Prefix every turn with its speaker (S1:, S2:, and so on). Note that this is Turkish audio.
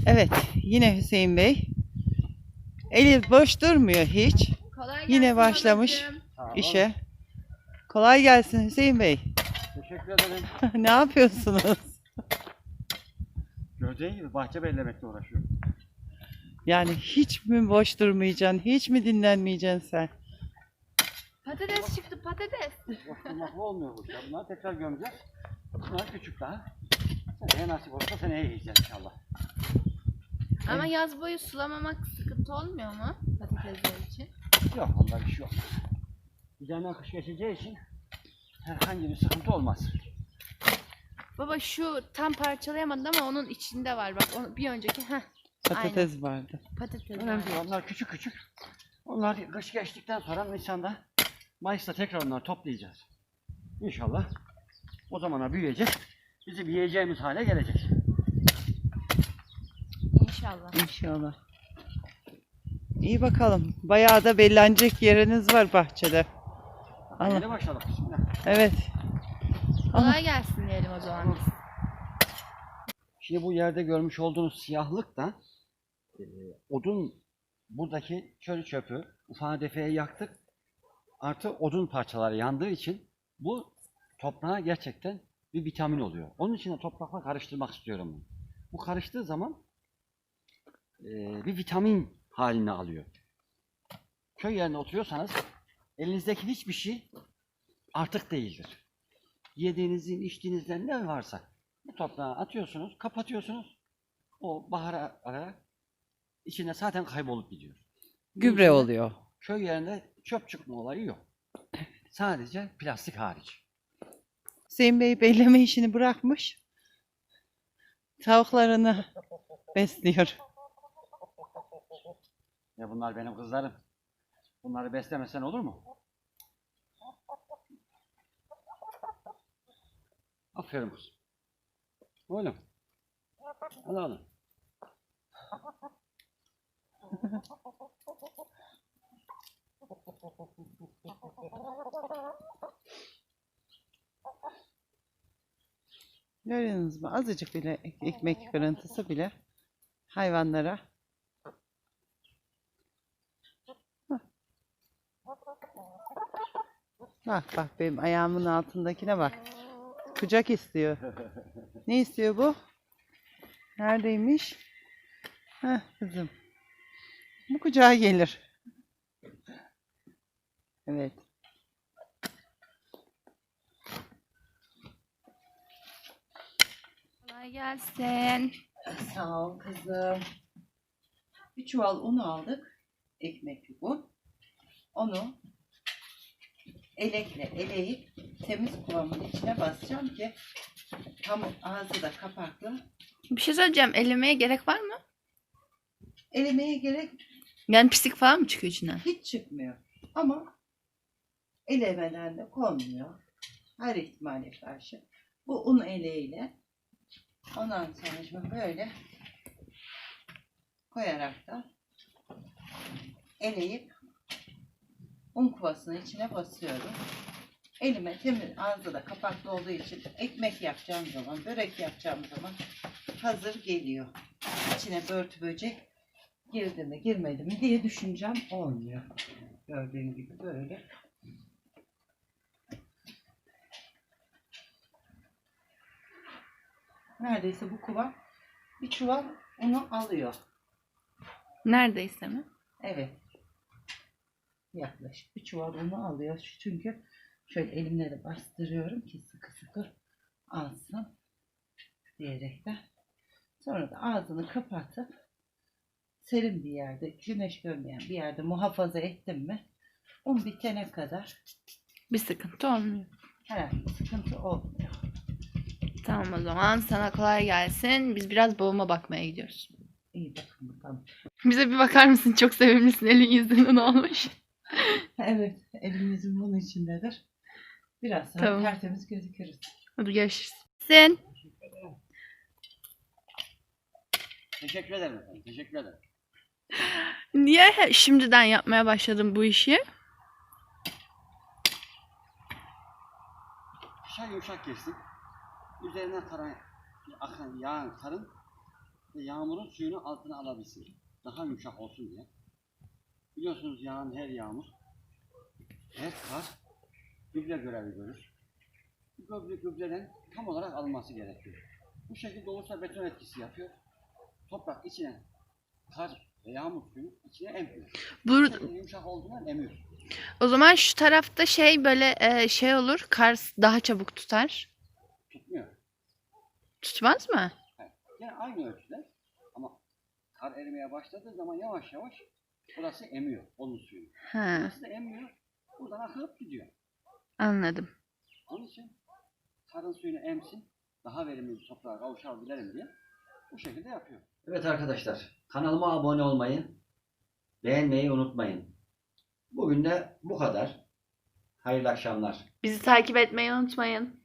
S1: Evet, yine Hüseyin Bey. Eli boş durmuyor hiç.
S2: Kolay
S1: Yine
S2: gelsin
S1: başlamış
S2: babacığım.
S1: işe. Kolay gelsin Hüseyin Bey.
S3: Teşekkür ederim.
S1: Ne yapıyorsunuz?
S3: Gördüğün gibi bahçe bellemekle uğraşıyorum.
S1: Yani hiç mi boş durmayacaksın? Hiç mi dinlenmeyeceksin sen?
S2: Patates çıktı patates.
S3: Boş durmakla olmuyor bu işler. Bunları tekrar gömeceğiz. Bunlar küçük daha. Seneye nasip olursa seneye yiyeceğiz inşallah.
S2: Ama yaz boyu sulamamak sıkıntı olmuyor mu patatesler için?
S3: Yok, onda bir şey yok. Üzerinden kış geçeceği için herhangi bir sıkıntı olmaz.
S2: Baba şu tam parçalayamadım ama onun içinde var bak onu bir önceki
S1: Patates vardı.
S2: patates var.
S3: Önemli değil, onlar küçük küçük. Onlar kış geçtikten sonra Nisan'da, Mayıs'ta tekrar onları toplayacağız. İnşallah o zamana büyüyecek. Bizim yiyeceğimiz hale gelecek.
S2: İnşallah.
S1: İnşallah. İyi bakalım. Bayağı da bellenecek yeriniz var bahçede. Allah.
S3: Yeni başladık. Bismillah.
S1: Evet.
S2: Kolay gelsin diyelim o zaman biz.
S3: Şimdi bu yerde görmüş olduğunuz siyahlık da odun, buradaki çöl çöpü ufağa defeye yaktık. Artı odun parçaları yandığı için bu toprağa gerçekten bir vitamin oluyor. Onun için de toprakla karıştırmak istiyorum bunu. Bu karıştığı zaman bir vitamin halini alıyor. Köy yerine oturuyorsanız elinizdeki hiçbir şey artık değildir. Yediğinizin, içtiğinizden ne varsa bu toprağa atıyorsunuz, kapatıyorsunuz. O bahara ara içinde zaten kaybolup gidiyor.
S1: Gübre oluyor.
S3: Köy yerinde çöp çıkma olayı yok. Sadece plastik hariç.
S1: Hüseyin Bey belleme işini bırakmış. Tavuklarını besliyor.
S3: Ya bunlar benim kızlarım. Bunları beslemesen olur mu? Aferin kız. Oğlum. Al oğlum.
S1: Görüyorsunuz mu? Azıcık bile ekmek kırıntısı bile hayvanlara. Hah. Bak bak benim ayağımın altındakine bak. Kucak istiyor. Ne istiyor bu? Neredeymiş? Heh kızım. Bu kucağa gelir. Evet.
S2: Kolay gelsin.
S1: Sağ ol kızım. Bir çuval un aldık. Ekmekli un. Onu elekle eleyip temiz kıvamın içine basacağım ki tam ağzı da kapaklı.
S2: Bir şey söyleyeceğim. Elemeye gerek var mı?
S1: Elemeye gerek
S2: Yani pislik falan mı çıkıyor içinden?
S1: hiç çıkmıyor. Ama elemeden de konmuyor. Her ihtimale karşı. Bu un eleğiyle ondan sonra şimdi böyle koyarak da eleyip un kovasının içine basıyorum. Elime temiz, ağzı da kapaklı olduğu için ekmek yapacağım zaman, börek yapacağım zaman hazır geliyor. İçine börtü böcek girdi mi girmedi mi diye düşüneceğim, olmuyor. Gördüğün gibi böyle. Neredeyse bu kova bir çuval unu alıyor.
S2: Neredeyse mi?
S1: Evet. Yaklaşık bir çuval unu alıyor. Çünkü şöyle elimle de bastırıyorum ki sıkı sıkı alsın diyerekten. Sonra da ağzını kapatıp serin bir yerde, güneş görmeyen bir yerde muhafaza ettim mi un bitene kadar
S2: Bir sıkıntı olmuyor.
S1: herhangi bir sıkıntı olmuyor.
S2: Tamam o zaman sana kolay gelsin. Biz biraz babama bakmaya gidiyoruz.
S1: İyi bakın bakalım.
S2: Bize bir bakar mısın? Çok sevimlisin. Elin yüzünden olmuş.
S1: Evet, elimizin bunun içindedir. Biraz sonra
S2: Tamam.
S1: tertemiz gözükürüz.
S2: Hadi görüşürüz. Sen
S3: Teşekkür ederim efendim. Teşekkür ederim.
S2: niye şimdiden yapmaya başladın bu işi?
S3: Şay yumuşak kestim. Üzerinden akan yağın karın ve yağmurun suyunu altına alabilsin. Daha yumuşak olsun diye. Biliyorsunuz yağan her yağmur, her kar gübre görevi görür. Bu gübreden tam olarak alınması gerekiyor. Bu şekilde olursa beton etkisi yapıyor. Toprak içine kar ve yağmur suyunu içine emmiyor. Bu şekilde yumuşak olduğundan emiyor.
S2: O zaman şu tarafta şey böyle şey olur. Kar daha çabuk tutar.
S3: Tutmuyor.
S2: Tutmaz mı?
S3: Yani yine aynı ölçüde ama kar erimeye başladığı zaman yavaş yavaş burası emiyor onun suyunu.
S2: Ha,
S3: Burası da emmiyor. Buradan akıp gidiyor.
S2: anladım.
S3: Onun için karın suyunu emsin, daha verimli bir toprağa kavuşabilelim diye bu şekilde yapıyor. Evet arkadaşlar, kanalıma abone olmayı, beğenmeyi unutmayın. Bugün de bu kadar. Hayırlı akşamlar.
S2: Bizi takip etmeyi unutmayın.